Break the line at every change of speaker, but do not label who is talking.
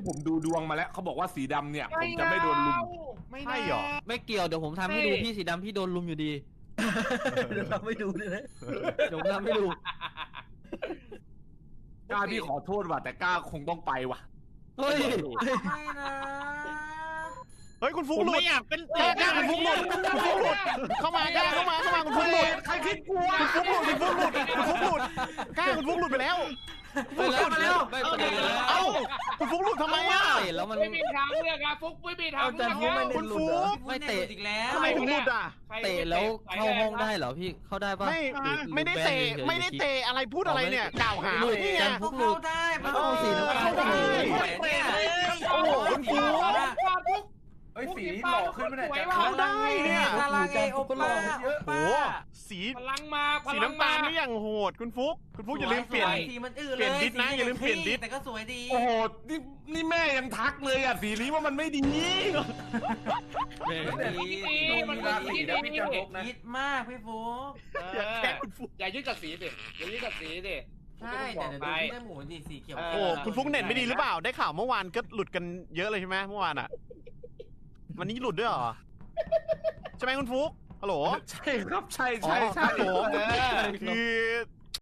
ผมดูดวงมาแล้วเขาบอกว่าสีดำเนี่ยผมจะไม่โดนลุม
ไม่
ใช่หรอ
ไม่เกี่ยวเดี๋ยวผมทำให้ดูพี่สีดำพี่โดนลุมอยู่ดี
เดี๋ยวเราไม่ดูเลยนะ
เดี๋ยวผมทำให้ดู
กล้าพี่ขอโทษว่ะแต่กล้าคงต้องไปว่ะ
เฮ้ย
ไม่นะ
เฮ้ยคุณฟุก
ผม
หลุด
ไม่อยากเป็น
กล้าคุณฟุกหลุดคุณฟุกหลุดเข้ามากล้าเข้ามาคุณฟุกหลุด
ใครคิดกลัว
คุณฟุกหลุดคุณฟุกหลุดคุณฟุกหลุดกล้าคุณฟุกหลุดไปแล้ว
ไปแล้วไปแล้วไปแล้ว
เอ้าคุณฟุกหลุดทำไมอ่ะ
เตะแล้วมัน
ไม่มีทางเลือกอะฟุกไม่มีทางเลือก
คุณฟุก
ไม่เตะ
อีกแล้ว
ทำไมถึงหลุดอ่ะ
เตะแล้วเข้าห้องได้เหรอพี่เข้าได้ปะ
ไม่ได้เตะไม่ได้เตะอะไรพูดอะไรเนี่ยกล่าวหาเนี่ย
เขาเข้าได้มัน
เข้าสีน้ำตาล
เข้าได้
เนี่ย
โอ้โหคุณฟุก
เฮ้ยสีนี้หล่อขึ้นไม่ได้จะ
เข้าได้เนี่ย
พลังเอโอป้า
โอ้สี
พลังมาพ
สี
ลัง
น้ำตาลนี่อย่างโหดคุณฟุกอย่าลืมเปลี่ยน
สีมันอื้อ
เปลี่ยนดิสนะอย่าลืมเปลี่ยนดิส
แต่ก็สวยดี
โอ้โหนี่แม่ยังทักเลยอ่ะสีนี้ว่ามันไม่ดี
มันราศีแล้วพี่จะลบนะ
คิดมากพี่ฟุก
อย่าแค่คุณฟุก
อย่ายึดกับสีดิอย่ายึดกับสีดิ
ใช่แต่เดี๋ยวดูที่ได้หมูดิสีเขียว
โอ้คุณฟุกเน็ตไม่ดีหรือเปล่าได้ข่าวเมื่อวานก็หลุดกันเยอะเลยใช่ไหมเมื่อวานอ่ะวันนี้หลุดด้วยเหรอใช่ไหมคุณฟุกฮัลโหล
ใช่ครับใช่
โอ้
ใช่
โหคือ